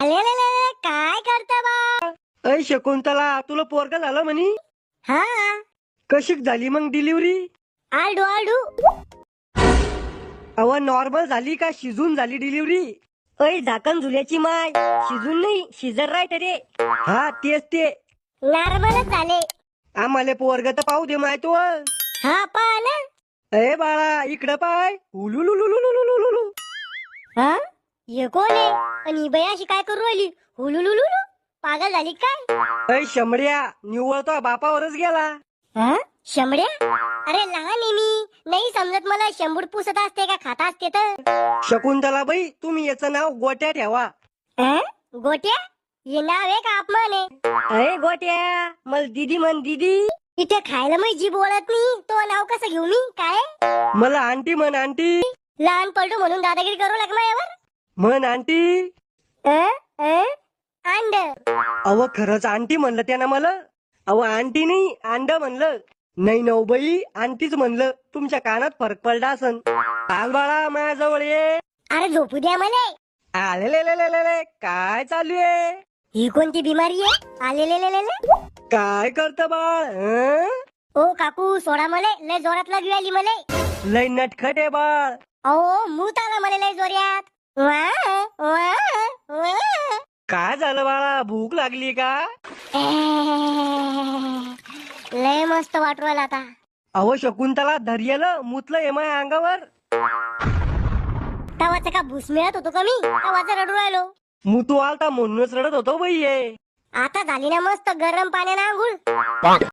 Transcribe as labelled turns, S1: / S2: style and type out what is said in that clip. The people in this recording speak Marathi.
S1: अले काय करता बा?
S2: ऐ शकुंतला, तुला पोरग झालं म्हणी?
S1: हा
S2: कशी झाली मग डिलिव्हरी?
S1: आलडू आलडू.
S2: अव नॉर्मल झाली का शिजून झाली डिलिव्हरी?
S1: ओय झाकण झुल्याची माय, शिजून नाही शिजर राहत रे.
S2: हा तेच ते.
S1: नॉर्मलच झाले.
S2: आम्हाला पोरग तर पाहू दे माय तू.
S1: हा पहा ना.
S2: ए बाळा इकडं पाय. हुलुलुलुलुलुलुलुलु.
S1: हा ये कोण आहे? आणि ही बाई अशी काय करू राहिली? हुलुलुलुलु. पागल झाली काय?
S2: ऐ शमड्या, निव्वळ तो बापावरच गेला.
S1: हा शंभड्या? अरे लहान आहे मी, नाही समजत मला. शंभूड पुसत असते का खाता असते तर?
S2: शकुंतला बाई, तुम्ही याचं नाव गोट्या ठेवा.
S1: हा? गोट्या? हे नाव आहे का अपमान आहे?
S2: अरे गोट्या, मला दीदी म्हण दीदी.
S1: इथे खायला मी जी बोलत नाही, तो नाव कसं घेऊ मी? काय
S2: मला आंटी म्हण आंटी.
S1: लहान पलटू म्हणून दादागिरी करू लाग माझ्यावर?
S2: म्हण आंटी.
S1: अंड.
S2: अव खरंच आंटी म्हणलं त्यानं मला. अव आंटी नाही अंड म्हणलं. नाही नव बाई, आंटीच म्हणलं. तुमच्या कानात फरक पडला असन. काल बाळा माझ्याजवळ ये.
S1: अरे झोपू द्या मला.
S2: आले काय चालू आहे?
S1: ही कोणती बिमारी आहे? आलेले.
S2: काय करत बाळ हं?
S1: ओ काकू सोडा मले, लय जोरात लागली आली मले.
S2: लय नटखट आहे बाळ.
S1: अहो मूत आला मला लय जोऱ्यात. वा, वा, वा.
S2: काय झालं बाळा, भूक लागली का?
S1: लय मस्त वाटू राहिला आता.
S2: अहो शकुंतला धैर्यला मुतलं आहे माझ्या अंगावर.
S1: तवाचा का भूस मिळत होतो का मी? तवाचा रडू राहिलो.
S2: मुतू आलता म्हणूनच रडत होतो बाई हे.
S1: आता झाली ना मस्त गरम पाण्याने आंघोळ.